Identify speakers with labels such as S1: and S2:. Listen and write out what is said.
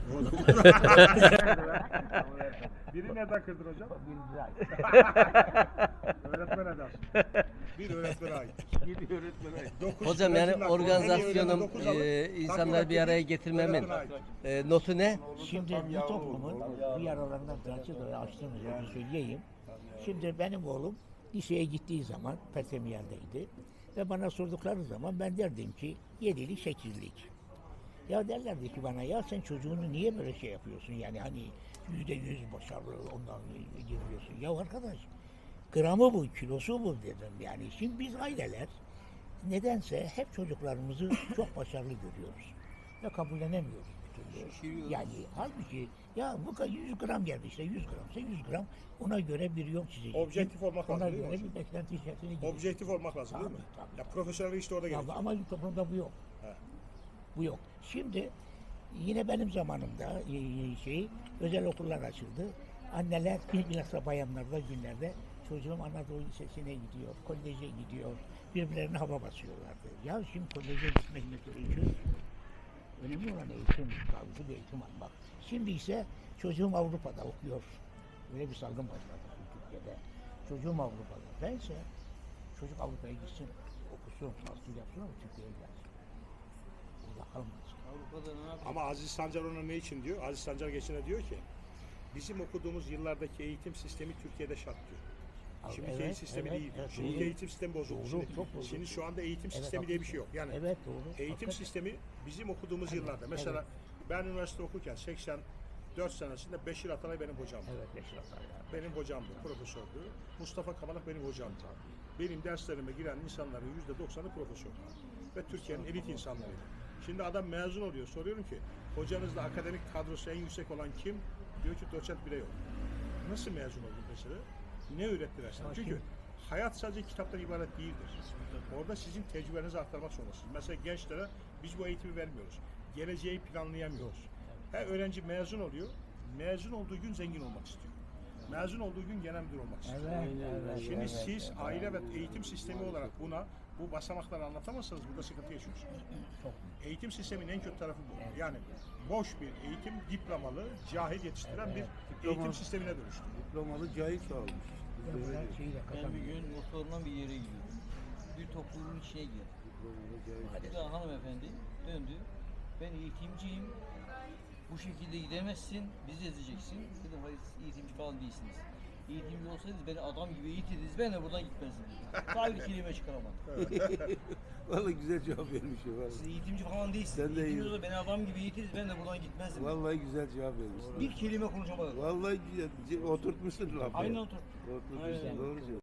S1: Biri nereden kırdın hocam?
S2: Birinci ay.
S1: Öğretmen edersin. Bir öğretmene ait.
S2: Yedi öğretmen ay.
S3: Hocam yani organizasyonum insanları bir araya getirmemin notu ne?
S2: Şimdi bu toplumun bir aralarından Fransızca açtığımızı söyleyeyim. Şimdi benim oğlum liseye gittiği zaman Pertemiyer'deydi. Ve bana sordukları zaman ben derdim ki 7'lik 8'lik. Ya derlerdi ki bana ya sen çocuğunu niye böyle şey yapıyorsun yani hani %100 başarılı ondan giriyorsun. Ya arkadaş gramı bu kilosu bu dedim yani. Şimdi biz aileler nedense hep çocuklarımızı çok başarılı görüyoruz. Ve kabullenemiyoruz bir türlü. Yani halbuki ya bu kadar 100 gram geldi işte 100 gramsa 100 gram ona göre bir yol çizecek.
S1: Objektif olmak lazım
S2: Ona
S1: değil mi
S2: göre
S1: hocam?
S2: bir beklenti içerisine girecek.
S1: Objektif olmak lazım değil mi?
S2: Tabii,
S1: Ya profesyonel işte orada
S2: Ya,
S1: gerekiyor.
S2: ama toplumda bu yok.
S1: He.
S2: Bu yok. Şimdi yine benim zamanımda özel okullar açıldı. Anneler bilhassa bayanlarda günlerde çocuğum Anadolu Lisesi'ne gidiyor, koleje gidiyor. Birbirlerine hava basıyorlardı. Ya şimdi koleje gitmek mesela için önemli olan eğitim, sağlıklı bir eğitim almak. Şimdi ise çocuğum Avrupa'da okuyor. Böyle bir salgın başladı Türkiye'de. Çocuğum Avrupa'da. Bense çocuk Avrupa'ya gitsin, okusun, tahsil yapsın ama Türkiye'ye gelsin. Burada kalmasın.
S1: Ama Aziz Sancar ona ne için diyor? Aziz Sancar geçene diyor ki bizim okuduğumuz yıllardaki eğitim sistemi Türkiye'de şart diyor.
S2: Abi,
S1: Şimdiki
S2: evet,
S1: eğitim sistemi
S2: evet,
S1: değil.
S2: evet,
S1: Şimdiki
S2: doğru.
S1: eğitim sistemi bozuldu.
S2: Doğru,
S1: Şimdi,
S2: çok bozuldu.
S1: şimdi şu anda eğitim
S2: Evet,
S1: sistemi diye bir şey yok. Yani
S2: Evet doğru.
S1: eğitim
S2: Hakikaten.
S1: sistemi bizim okuduğumuz yıllarda. Mesela ben üniversite okurken 84 senesinde Beşir Atalay benim hocamdı.
S2: Evet Beşir Atalay.
S1: Benim hocamdı, profesördü. Mustafa Kamalak benim hocamdı. Benim derslerime giren insanların %90'ı profesör. Ve Türkiye'nin elit insanlarıydı. Şimdi adam mezun oluyor. Soruyorum ki hocanızda akademik kadrosu en yüksek olan kim? Diyor ki doçent bile yok. Nasıl mezun oldun mesela? Ne öğrettiler sana? Çünkü hayat sadece kitaptan ibaret değildir. Orada sizin tecrübenizi aktarmak zorundasınız. Mesela gençlere biz bu eğitimi vermiyoruz. Geleceği planlayamıyoruz. Her öğrenci mezun oluyor. Mezun olduğu gün zengin olmak istiyor. Mezun olduğu gün genel müdür olmak istiyor. Şimdi siz aile ve eğitim sistemi olarak bu basamakları anlatamazsanız burada sıkıntı yaşıyorsunuz. Eğitim sisteminin en kötü tarafı bu. Yani boş bir eğitim, diplomalı, cahil yetiştiren bir eğitim sistemine dönüştü.
S4: Diplomalı cahil sağlamış.
S5: Ben bir gün motorla bir yere gidiyorum. Bir topluluğun içine girdim. Bir daha hanımefendi döndü. Ben eğitimciyim. Bu şekilde gidemezsin. Bizi ezeceksin. Dedim hayır siz eğitimci falan değilsiniz. Eğitimci olsaydınız beni adam gibi eğitirdiniz. Ben de buradan gitmezdim. Daha bir kelime çıkaramadım.
S4: Vallahi güzel cevap vermiş ya.
S5: Siz eğitimci falan değilsiniz.
S4: Sen de
S5: Eğitimci
S4: iyi.
S5: olsa beni adam gibi eğitirdiniz. Ben de buradan gitmezdim.
S4: Vallahi güzel cevap vermiş.
S5: Bir kelime konuşamadım.
S4: Vallahi güzel. Oturtmuşsun lafı.
S5: Aynen oturttum.
S4: Oturtmuşsun.
S5: Aynen.
S4: Doğru söylüyorsun.